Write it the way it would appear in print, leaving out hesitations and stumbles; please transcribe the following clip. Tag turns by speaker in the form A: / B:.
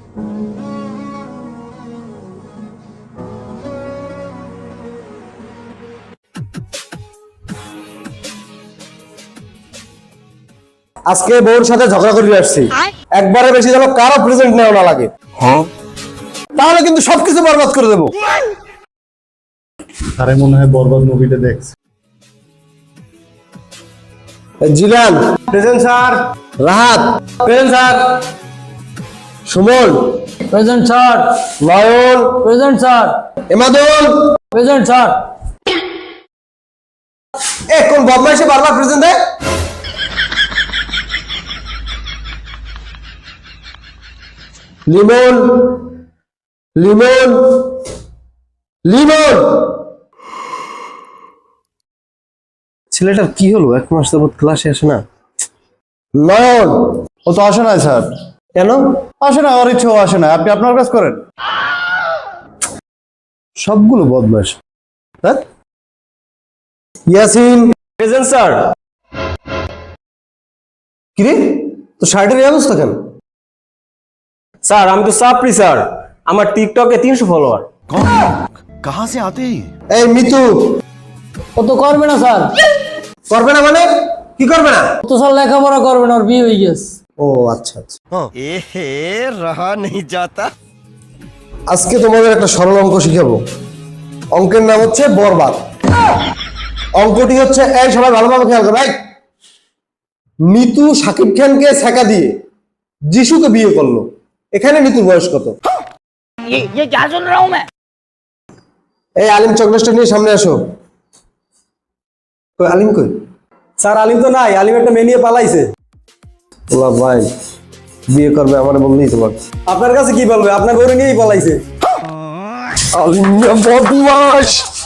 A: আজকে বউর সাথে ঝগড়া করে আসছি, একবারে বেশি যেন কারো প্রেজেন্ট নেওয়া না লাগে, তাহলে কিন্তু সবকিছু বরবাদ করে দেবো।
B: আরে মনে হয় বরবাদ মুভিটা দেখছে।
A: Zilan
C: present sir.
A: Rahat
C: present sir.
A: Suman
C: present sir.
A: Nayan
C: present sir.
A: Emadul
C: present sir.
A: কোন বদমাইশে বারবার প্রেজেন্ট দেয়? লিমন লিমন লিমন ছেলেটার কি হলো? 1 মাস যাবত ক্লাসে আসে না। নয়ন
B: ও তো আসে না স্যার।
A: কেন
B: আসে না, ওর ইচ্ছেও আসে না। আপনি আপনার কাজ করেন।
A: সবগুলো বদমাইশ। হ্যাঁ, ইয়াসিন
C: প্রেজেন্ট স্যার।
A: কিরে তো শার্টের এই অবস্থা কেন?
C: স্যার আমি তো সাপ্রি স্যার, আমার টিকটকে 300 ফলোয়ার।
D: कहाँ से आते हैं?
A: এই মিতু
C: ও তো করবে না স্যার।
A: করবে না মানে কি করবে না?
C: ও তো স্যার লেখাপড়া করবে না, ওর বিয়ে হয়ে গেছে।
A: ও আচ্ছা আচ্ছা,
D: एहे रहा नहीं जाता।
A: আজকে তোমাদের একটা সরল অঙ্ক শিখাবো। অঙ্কের নাম হচ্ছে বরবাদ। অঙ্কটি হচ্ছে, এই সবাই ভালোভাবে খেয়াল করো। এই নিতু শাকিব খানকে ছ্যাঁকা দিয়ে যিশুকে বিয়ে করলো, এখানে নিতুর বয়স কত?
E: ये क्या सुन रहा हूं मैं?
A: এই আলিম চকলেটটা নিয়ে সামনে আসো। কই আলিম কই?
C: স্যার আলিম তো নাই, আলিম একটা মেয়ে নিয়ে পালাইছে।
A: বলা ভাই বিয়ে করবে আমার বললেই তোমার।
C: আপনার কাছে কি বলবে? আপনার গরু নিয়েই পালাইছে।
A: আলিম বদমাশ।